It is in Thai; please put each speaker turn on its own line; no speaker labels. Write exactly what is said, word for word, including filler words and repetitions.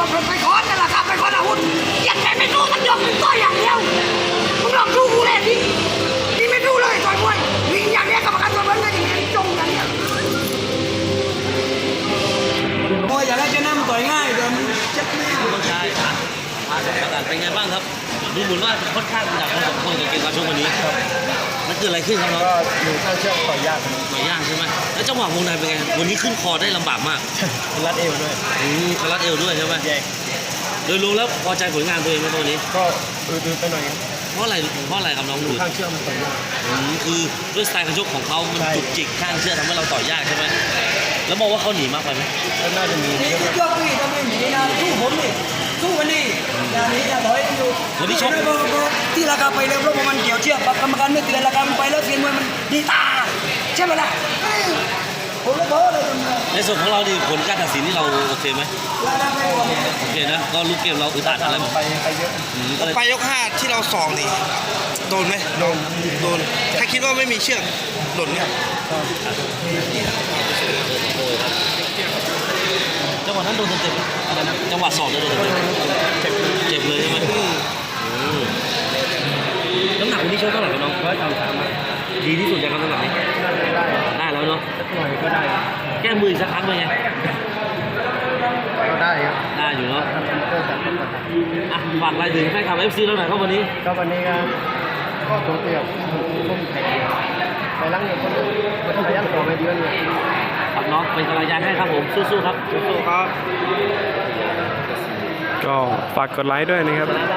รถไปค้อนนั่นแหละครับไปค้อนอาวุธยังไงไม่รู้มันยกมือต่อยอย่างเดียวมึงลองดูกูเลยดินี่ไม่รู้เลยต่อยมวยวิ่งอย่างเนี้ยกรรมการตัวมันก็อย่างเงี้ยจงอย่างเนี้ยมวยอย่างไรจะนั่งต่อยง่ายเดี๋ยวมันเจ็บแน่
ต้องใช้พาสองประการเป็นไงบ้างครับดูเหมือนว่าค่อนข้างหนักพอสมควรกับเกมการชกวันนี้มันเกิดอะไรขึ้นครับน้อง
ก็อยู่ข้างเชือกต่อยยาก
ต่อยยากใช่ไหมแล้วจังหวะวงในเป็นไงวันนี้ขึ้นคอได้ลำบากมาก
รัดเอวด้วย
อืมรัดเอวด้วยใช่ไหม
แยก
โดยรวมแล้วพอใจผลงานตัวเองไหมตัวนี้
ก็อืดๆไปหน่อย
เพราะอะไรเพราะอะไรครับน้องดู
ข้างเชือกมันต่อยยาก
อืมคือด้วยสไตล์การชกของเขามันจุกจิกข้างเชือกทำให้เราต่อยยากใช่ไหมแล้วมองว่าเขาหนีมากไปไหม
ก็น่าจะมี
นี่ยกพี่ทำไมหนีนะสู้ผมนี่สู้วันนี้อย่าหนีอย่าถอยอยู่วันนี้ชกที่ราคาไปแล้วเพราะมันเกี่ยวเชือกกรรมการไม่เตือนราคามันไปแล้วเสียงมวยมันดีตาใช่ไหมล่ะผมเลยบอกเลย
ในส่วนของเราดิผลการตัดสินที่เราโอเคไหมโอเคนะก็ลูกเกมเราอึดอัดอะไร
ไปไปเยอะ
ไปยกห้าที่เราสองนี่โดนไหม
โดน
โดนถ้าคิดว่าไม่มีเชือกหล่นเนี่ย
จังหวะนั้นโดนเจ็บอะไรนะจังหวะสอบโดนเจ็บเจ็บเลยใช่ไหมน้ำหนักวันนี้ชกเท่าไหร่กันน้อง
ร้อยสามสาม
ดีที่สุดจากน้ำหนักนี้ได้แล้วเนาะ
หน่อยก็ได้
แก้มือสักครั้งเลยไง
ก็ได้ครับ
ได้อยู่เนาะอ่ะฝากอะไรถึงแฟนคลับเอฟซีเราหน่อยครับวันนี้
ก็วันนี้ก็ตัวเตี้ยพุ่มแข็งไปล้างเงินคนมันพยายามต่อไปเดือนเลย
ครับน้องเป็นกำลังใจให้ครับผมสู้ๆครับ
สู้ๆครับ
ก็ฝากกดไลค์ด้วยนะครับ